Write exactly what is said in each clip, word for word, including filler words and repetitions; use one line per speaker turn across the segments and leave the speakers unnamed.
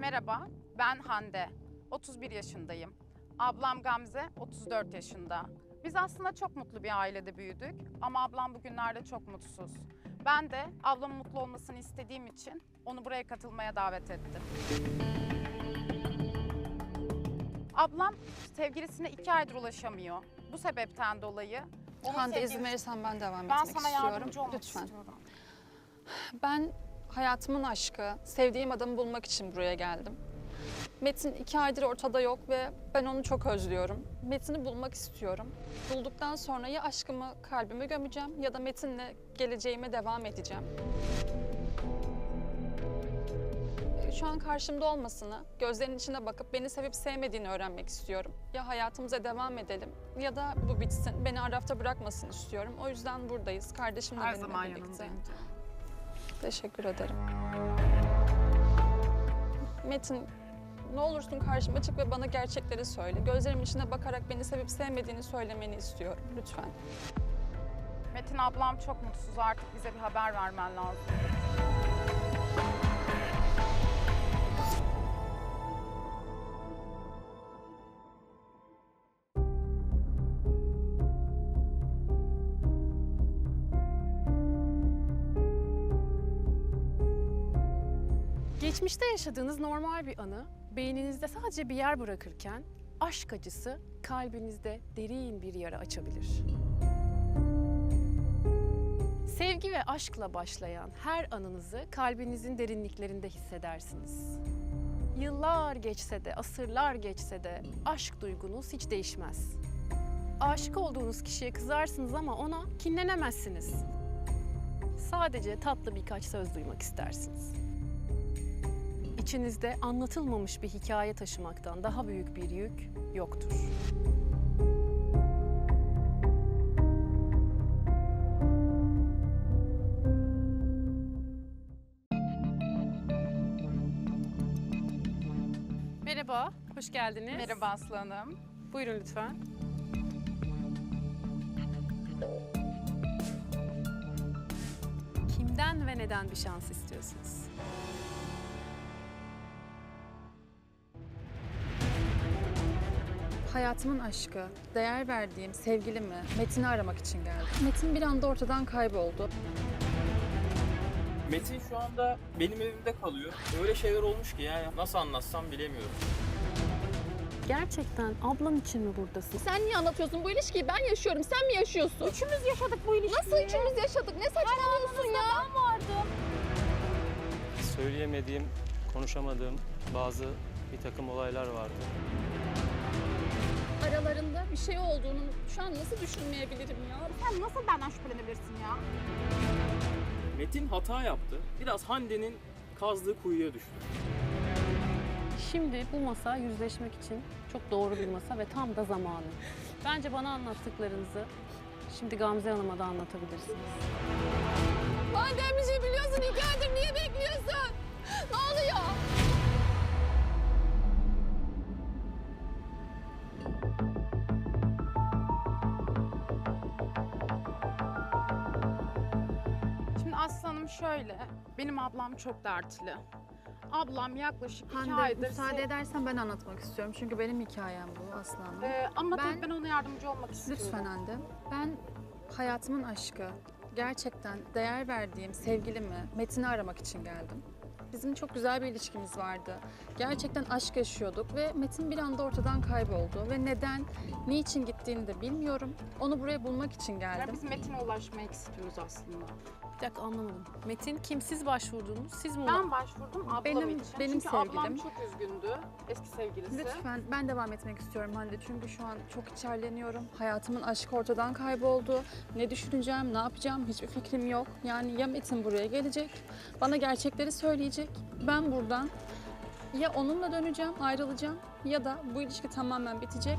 Merhaba, ben Hande. otuz bir yaşındayım. Ablam Gamze, otuz dört yaşında. Biz aslında çok mutlu bir ailede büyüdük ama ablam bugünlerde çok mutsuz. Ben de ablamın mutlu olmasını istediğim için onu buraya katılmaya davet ettim. Ablam sevgilisine iki aydır ulaşamıyor. Bu sebepten dolayı onun
Hande
sevgilisi...
izin verirsen ben devam
Ben
etmek
sana
istiyorum.
yardımcı olmak
Lütfen.
istiyorum.
Ben hayatımın aşkı, sevdiğim adamı bulmak için buraya geldim. Metin iki aydır ortada yok ve ben onu çok özlüyorum. Metin'i bulmak istiyorum. Bulduktan sonra ya aşkımı kalbime gömeceğim ya da Metin'le geleceğime devam edeceğim. Şu an karşımda olmasını, gözlerinin içine bakıp beni sevip sevmediğini öğrenmek istiyorum. Ya hayatımıza devam edelim ya da bu bitsin, beni arafta bırakmasın istiyorum. O yüzden buradayız, kardeşimle
Her
benimle
zaman
birlikte.
yanındayım.
Teşekkür ederim. Metin, ne olursun karşıma çık ve bana gerçekleri söyle. Gözlerimin içine bakarak beni sevip sevmediğini söylemeni istiyorum. Lütfen.
Metin ablam çok mutsuz, artık bize bir haber vermen lazım.
Geçmişte yaşadığınız normal bir anı beyninizde sadece bir yer bırakırken aşk acısı kalbinizde derin bir yara açabilir. Sevgi ve aşkla başlayan her anınızı kalbinizin derinliklerinde hissedersiniz. Yıllar geçse de, asırlar geçse de aşk duygunuz hiç değişmez. Aşık olduğunuz kişiye kızarsınız ama ona kinlenemezsiniz. Sadece tatlı birkaç söz duymak istersiniz. İçinizde anlatılmamış bir hikaye taşımaktan daha büyük bir yük yoktur. Merhaba, hoş geldiniz.
Merhaba Aslı Hanım.
Buyurun lütfen. Kimden ve neden bir şans istiyorsunuz?
Hayatımın aşkı, değer verdiğim sevgilimi, Metin'i aramak için geldim. Metin bir anda ortadan kayboldu.
Metin şu anda benim evimde kalıyor. Öyle şeyler olmuş ki yani nasıl anlatsam bilemiyorum.
Gerçekten ablan için mi buradasın?
Sen niye anlatıyorsun bu ilişkiyi? Ben yaşıyorum, sen mi yaşıyorsun?
Üçümüz yaşadık bu ilişkiyi.
Nasıl üçümüz yaşadık? Ne saçmalıyorsun ya? Ben vardım.
Söyleyemediğim, konuşamadığım bazı bir takım olaylar vardı.
Aralarında bir şey olduğunu şu an nasıl düşünmeyebilirim ya?
Sen nasıl benden şüphelenebilirsin ya?
Metin hata yaptı. Biraz Hande'nin kazdığı kuyuya düştü.
Şimdi bu masa yüzleşmek için çok doğru bir masa ve tam da zamanı. Bence bana anlattıklarınızı şimdi Gamze Hanım'a da anlatabilirsiniz.
Madem bir şey biliyorsun iki aydır niye bekliyorsun? Ne oluyor?
Şimdi Aslı Hanım şöyle, benim ablam çok dertli. Ablam yaklaşık iki
Hande,
aydır...
müsaade
se-
edersen ben anlatmak istiyorum. Çünkü benim hikayem bu Aslanım.
Ee, ama
Ben-
tabii ben ona yardımcı olmak istiyorum.
Lütfen Hande. Ben hayatımın aşkı, gerçekten değer verdiğim sevgilimi, Metin'i aramak için geldim. Bizim çok güzel bir ilişkimiz vardı. Gerçekten aşk yaşıyorduk ve Metin bir anda ortadan kayboldu. Ve neden, niçin gittiğini de bilmiyorum. Onu buraya bulmak için
Ya
geldim.
biz Metin'e ulaşmayı istiyoruz aslında.
Bir dakika anlamadım. Metin kim? Siz başvurdunuz, siz mi?
Ben başvurdum ablam
Benim-
için.
benim
Çünkü ablam
sevgilim.
çok üzgündü, eski sevgilisi.
Lütfen ben devam etmek istiyorum Hande çünkü şu an çok içerleniyorum. Hayatımın aşkı ortadan kayboldu. Ne düşüneceğim, ne yapacağım hiçbir fikrim yok. Yani ya Metin buraya gelecek, bana gerçekleri söyleyecek. Ben buradan ya onunla döneceğim, ayrılacağım ya da bu ilişki tamamen bitecek.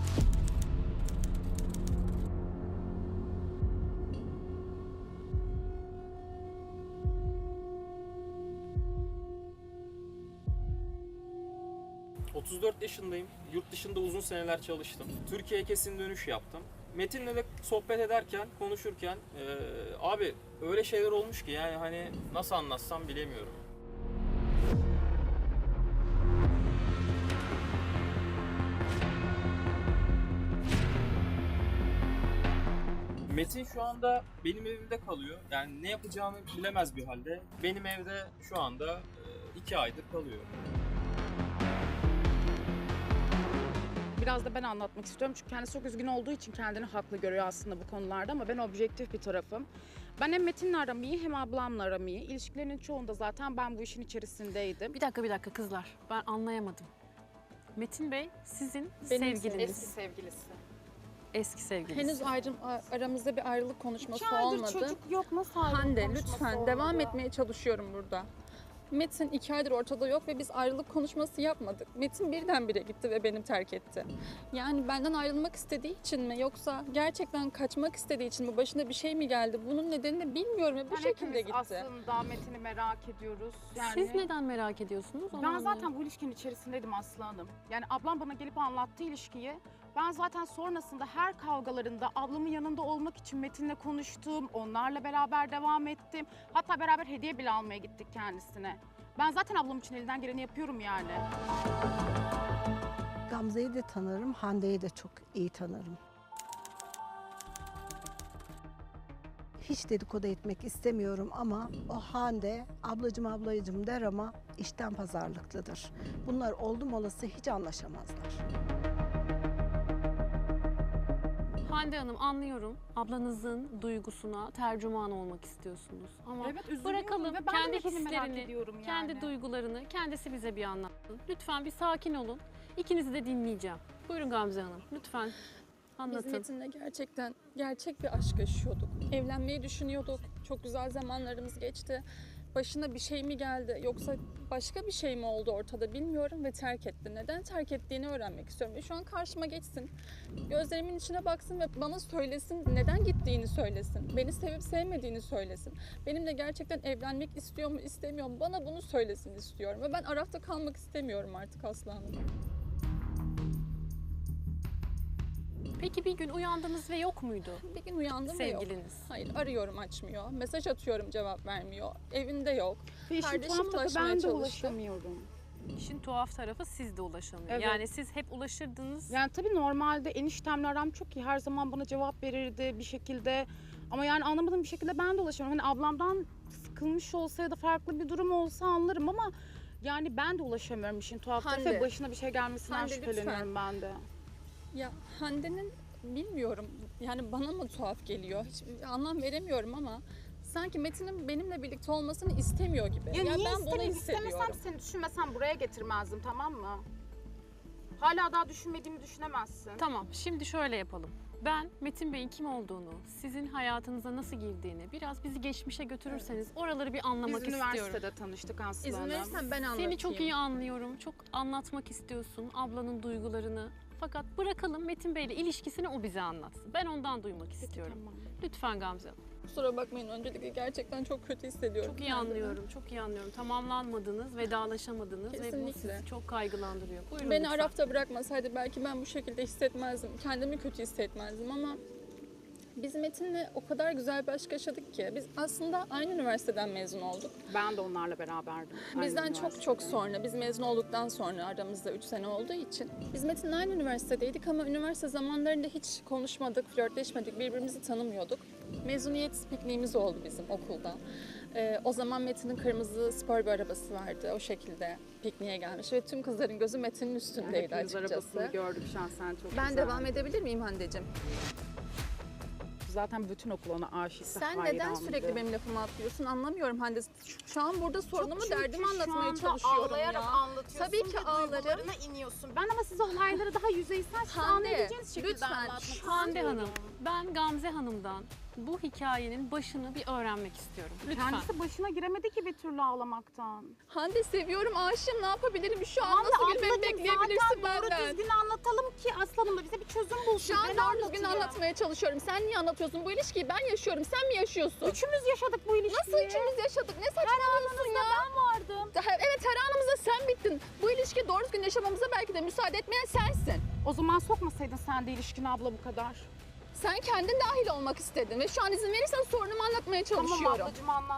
otuz dört yaşındayım. Yurt dışında uzun seneler çalıştım. Türkiye'ye kesin dönüş yaptım. Metin'le de sohbet ederken, konuşurken eee, abi öyle şeyler olmuş ki yani hani nasıl anlatsam bilemiyorum. Metin şu anda benim evimde kalıyor. Yani ne yapacağını bilemez bir halde. Benim evde şu anda e, iki aydır kalıyor.
Biraz da ben anlatmak istiyorum çünkü kendisi çok üzgün olduğu için kendini haklı görüyor aslında bu konularda ama ben objektif bir tarafım. Ben hem Metin'le aram iyi hem ablamla aram iyi. İlişkilerinin çoğunda zaten ben bu işin içerisindeydim.
Bir dakika bir dakika kızlar. Ben anlayamadım. Metin Bey sizin
Benim
sevgiliniz.
Eski sevgilisi.
Eski sevgiliniz.
Henüz ayrım, aramızda bir ayrılık konuşması
İki aydır
olmadı.
çocuk yok, nasıl ayrılık
Hande
konuşması
lütfen
olmadı?
devam etmeye çalışıyorum burada. Metin iki aydır ortada yok ve biz ayrılık konuşması yapmadık. Metin birdenbire gitti ve beni terk etti. Yani benden ayrılmak istediği için mi yoksa gerçekten kaçmak istediği için mi, başına bir şey mi geldi? Bunun nedenini bilmiyorum ve bu
Yani
şekilde
hepimiz
gitti.
aslında Metin'i merak ediyoruz. Yani
Siz neden merak ediyorsunuz? Onu
ben
anlayamadım.
zaten bu ilişkinin içerisindeydim Aslı Hanım. Yani ablam bana gelip anlattı ilişkiyi. Ben zaten sonrasında her kavgalarında ablamın yanında olmak için Metin'le konuştum. Onlarla beraber devam ettim. Hatta beraber hediye bile almaya gittik kendisine. Ben zaten ablam için elinden geleni yapıyorum yani.
Gamze'yi de tanırım, Hande'yi de çok iyi tanırım. Hiç dedikodu etmek istemiyorum ama o Hande ablacım ablacım der ama işten pazarlıklıdır. Bunlar oldum olası hiç anlaşamazlar.
Hande Hanım anlıyorum. Ablanızın duygusuna tercüman olmak istiyorsunuz. Ama
Evet, üzülüyorum
bırakalım
ve ben de
kendi
Metin'i merak
hislerini,
ediyorum yani.
kendi duygularını kendisi bize bir anlatsın. Lütfen bir sakin olun. İkinizi de dinleyeceğim. Buyurun Gamze Hanım. Lütfen
Biz
anlatın.
Metin'le gerçekten gerçek bir aşk yaşıyorduk. Evlenmeyi düşünüyorduk. Çok güzel zamanlarımız geçti. Başına bir şey mi geldi yoksa başka bir şey mi oldu ortada bilmiyorum ve terk etti. Neden terk ettiğini öğrenmek istiyorum. Ve şu an karşıma geçsin. Gözlerimin içine baksın ve bana söylesin. Neden gittiğini söylesin. Beni sevip sevmediğini söylesin. Benimle gerçekten evlenmek istiyor mu istemiyor mu bana bunu söylesin istiyorum. Ve ben Araf'ta kalmak istemiyorum artık Aslı Hanım.
Peki bir gün uyandınız ve yok muydu
Bir gün uyandım ve yok.
sevgiliniz?
Hayır, arıyorum açmıyor. Mesaj atıyorum cevap vermiyor. Evinde yok.
Ve işin
Kardeşim
tuhaf tarafı
ulaşmaya
ben de
çalıştı.
ulaşamıyorum.
İşin tuhaf tarafı siz de ulaşamıyor.
Evet.
Yani siz hep ulaşırdınız.
Yani tabii normalde eniştemle aram çok iyi. Her zaman bana cevap verirdi bir şekilde. Ama yani anlamadığım bir şekilde ben de ulaşamıyorum. Hani ablamdan sıkılmış olsa ya da farklı bir durum olsa anlarım ama yani ben de ulaşamıyorum işin tuhaf tarafı.
Hande.
Ve başına bir şey gelmesinden
Hande,
şüpheleniyorum
lütfen.
ben de.
Ya Hande'nin bilmiyorum yani bana mı tuhaf geliyor hiç anlam veremiyorum ama sanki Metin'in benimle birlikte olmasını istemiyor gibi.
Ya, niye
ben bunu
istemeyeyim?
hissediyorum.
İstemesem seni düşünmesem buraya getirmezdim, tamam mı? Hala daha düşünmediğimi düşünemezsin.
Tamam, şimdi şöyle yapalım. Ben Metin Bey'in kim olduğunu, sizin hayatınıza nasıl girdiğini biraz bizi geçmişe götürürseniz oraları bir anlamak
Biz
istiyorum.
üniversitede tanıştık Aslı
İzin
Hanım.
verirsen ben anlatayım.
Seni çok iyi anlıyorum. Çok anlatmak istiyorsun ablanın duygularını. Fakat bırakalım Metin Bey'le ilişkisini o bize anlatsın. Ben ondan duymak istiyorum.
Tamam.
Lütfen Gamze Hanım.
Kusura bakmayın öncelikle gerçekten çok kötü hissediyorum.
Çok iyi
kendimi.
anlıyorum, çok iyi anlıyorum. Tamamlanmadınız, vedalaşamadınız ve bu
Kesinlikle.
sizi çok kaygılandırıyor. Buyurun
Beni
lütfen.
Araf'ta bırakmasaydı belki ben bu şekilde hissetmezdim. Kendimi kötü hissetmezdim ama biz Metin'le o kadar güzel bir aşk yaşadık ki. Biz aslında aynı üniversiteden mezun olduk.
Ben de onlarla beraberdim. Aynı
Bizden çok
üniversitede.
çok sonra, biz mezun olduktan sonra aramızda üç sene olduğu için. Biz Metin'le aynı üniversitedeydik ama üniversite zamanlarında hiç konuşmadık, flörtleşmedik, birbirimizi tanımıyorduk. Mezuniyet pikniğimiz oldu bizim okulda. Ee, o zaman Metin'in kırmızı spor bir arabası vardı. O şekilde pikniğe gelmiş ve tüm kızların gözü Metin'in
Yani
üstündeydi
hepimiz
açıkçası.
arabasını gördük şahsen çok
Ben
güzel.
devam edebilir miyim Hande'cim?
Zaten bütün okul ona aşıktı,
Sen neden
hayrandı.
sürekli benim lafımı atlıyorsun anlamıyorum Hande. Şu, şu an burada sorunumu,
Çünkü
derdimi
şu
anlatmaya
anda
çalışıyorum
ağlayarak
ya.
anlatıyorsun
Tabii ki
ve
ağlarım.
duygularına iniyorsun. Ben ama size olayları daha yüzeysel, siz
Hande,
anlayabileceğiniz şekilde
lütfen.
anlatmak
Hande
istiyorum.
Hanım, ben Gamze Hanım'dan bu hikayenin başını bir öğrenmek istiyorum. Lütfen.
Kendisi başına giremedi ki bir türlü ağlamaktan.
Hande seviyorum, aşığım, ne yapabilirim? Şu an
Hande
nasıl gülmemi
ablacığım,
bekleyebilirsin
zaten doğru
benden?
düzgün anlatalım ki aslanım da bize bir çözüm bulsun.
Şu an
Ben
doğru düzgün
anlatayım.
anlatmaya çalışıyorum. Sen niye anlatıyorsun? Bu ilişkiyi ben yaşıyorum, sen mi yaşıyorsun?
Üçümüz yaşadık bu ilişkiyi.
Nasıl üçümüz yaşadık? Ne saçmalıyorsun ya?
ben vardım.
Daha- Evet, her anımızda sen bittin. Bu ilişkiyi doğru düzgün yaşamamıza belki de müsaade etmeyen sensin.
O zaman sokmasaydın sen de ilişkine abla bu kadar.
Sen kendin dahil olmak istedin ve şu an izin verirsen sorunumu anlatmaya çalışıyorum.
Tamam ablacığım anlat.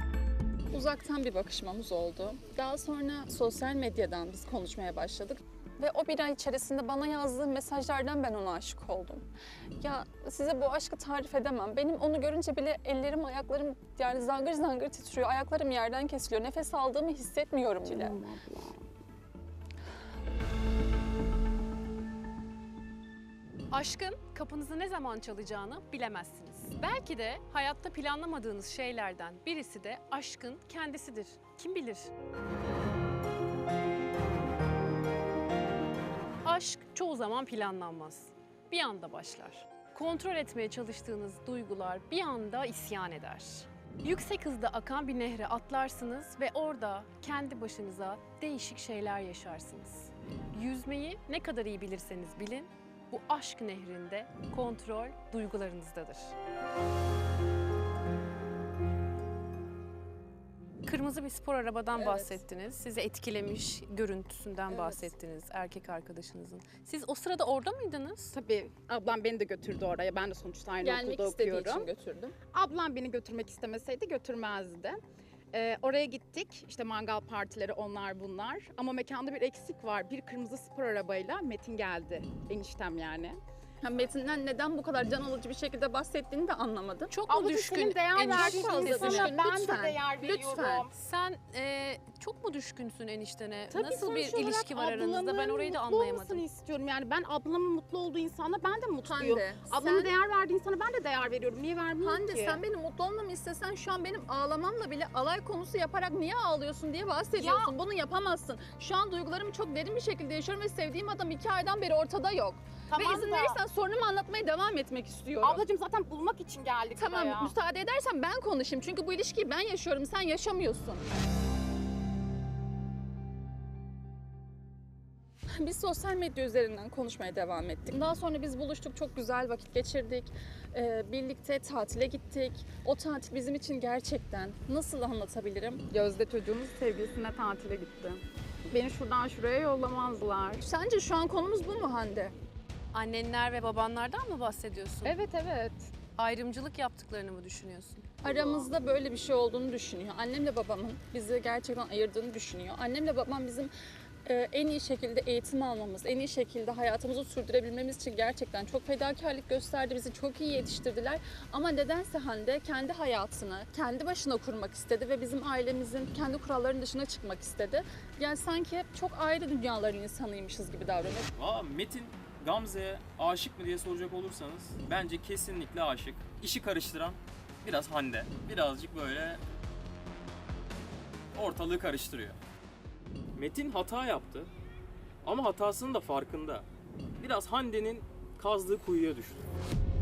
Uzaktan bir bakışmamız oldu. Daha sonra sosyal medyadan biz konuşmaya başladık. Ve o bir ay içerisinde bana yazdığı mesajlardan ben ona aşık oldum. Ya size bu aşkı tarif edemem. Benim onu görünce bile ellerim, ayaklarım yani zangır zangır titriyor. Ayaklarım yerden kesiliyor. Nefes aldığımı hissetmiyorum bile.
Canım ablam.
Aşkın kapınızı ne zaman çalacağını bilemezsiniz. Belki de hayatta planlamadığınız şeylerden birisi de aşkın kendisidir. Kim bilir? Aşk çoğu zaman planlanmaz. Bir anda başlar. Kontrol etmeye çalıştığınız duygular bir anda isyan eder. Yüksek hızda akan bir nehre atlarsınız ve orada kendi başınıza değişik şeyler yaşarsınız. Yüzmeyi ne kadar iyi bilirseniz bilin, bu aşk nehrinde kontrol duygularınızdadır. Kırmızı bir spor arabadan
Evet.
bahsettiniz. Sizi etkilemiş görüntüsünden
Evet.
bahsettiniz erkek arkadaşınızın. Siz o sırada orada mıydınız?
Tabii ablam beni de götürdü oraya. Ben de sonuçta aynı
Gelmek
okulda
istediği
okuyorum.
için götürdüm.
Ablam beni götürmek istemeseydi götürmezdi. Ee, oraya gittik. İşte mangal partileri onlar bunlar. Ama mekanda bir eksik var. Bir kırmızı spor arabayla Metin geldi. Eniştem yani.
Ha, Metin'den neden bu kadar can alıcı bir şekilde bahsettiğini de anlamadım.
Çok mu
Ablacığım
düşkün
senin değer
eniştesine?
verdiğin
fazla
insana
düşkün.
ben
Lütfen,
de değer veriyorum.
lütfen.
Sen e, çok mu düşkünsün eniştene?
Tabii
Nasıl bir
sonuç olarak
ilişki var aranızda? Ben
ablamın
orayı da
mutlu
anlayamadım.
olmasını istiyorum. Yani ben ablamın mutlu olduğu insana ben de mutluyum.
Hande,
Ablamın
sen-
değer verdiği insana ben de değer veriyorum. Niye vermiyorum
Hande
ki?
sen benim mutlu olmamı istesen şu an benim ağlamamla bile alay konusu yaparak niye ağlıyorsun diye bahsediyorsun. Bunu yapamazsın. Şu an duygularımı çok derin bir şekilde yaşıyorum ve sevdiğim adam iki aydan beri ortada yok.
Tamam
ve izin
da-
verirsen sorunumu anlatmaya devam etmek istiyorum.
Ablacığım zaten bulmak için geldik
Tamam
buraya.
müsaade edersen ben konuşayım. Çünkü bu ilişkiyi ben yaşıyorum, sen yaşamıyorsun. Biz sosyal medya üzerinden konuşmaya devam ettik. Daha sonra biz buluştuk, çok güzel vakit geçirdik. Ee, birlikte tatile gittik. O tatil bizim için gerçekten nasıl anlatabilirim?
Gözde çocuğumuz sevgilisine tatile gitti. Beni şuradan şuraya yollamazlar.
Sence şu an konumuz bu mu Hande?
Annenler ve babanlardan mı bahsediyorsun?
Evet evet.
Ayrımcılık yaptıklarını mı düşünüyorsun?
Aramızda böyle bir şey olduğunu düşünüyor. Annemle babamın bizi gerçekten ayırdığını düşünüyor. Annemle babam bizim e, en iyi şekilde eğitim almamız, en iyi şekilde hayatımızı sürdürebilmemiz için gerçekten çok fedakarlık gösterdi. Bizi çok iyi yetiştirdiler. Ama nedense Hande kendi hayatını kendi başına kurmak istedi ve bizim ailemizin kendi kurallarının dışına çıkmak istedi. Yani sanki hep çok ayrı dünyaların insanıymışız gibi davranıyor.
Valla Metin Gamze'ye aşık mı diye soracak olursanız bence kesinlikle aşık. İşi karıştıran biraz Hande. Birazcık böyle ortalığı karıştırıyor. Metin hata yaptı ama hatasının da farkında. Biraz Hande'nin kazdığı kuyuya düştü.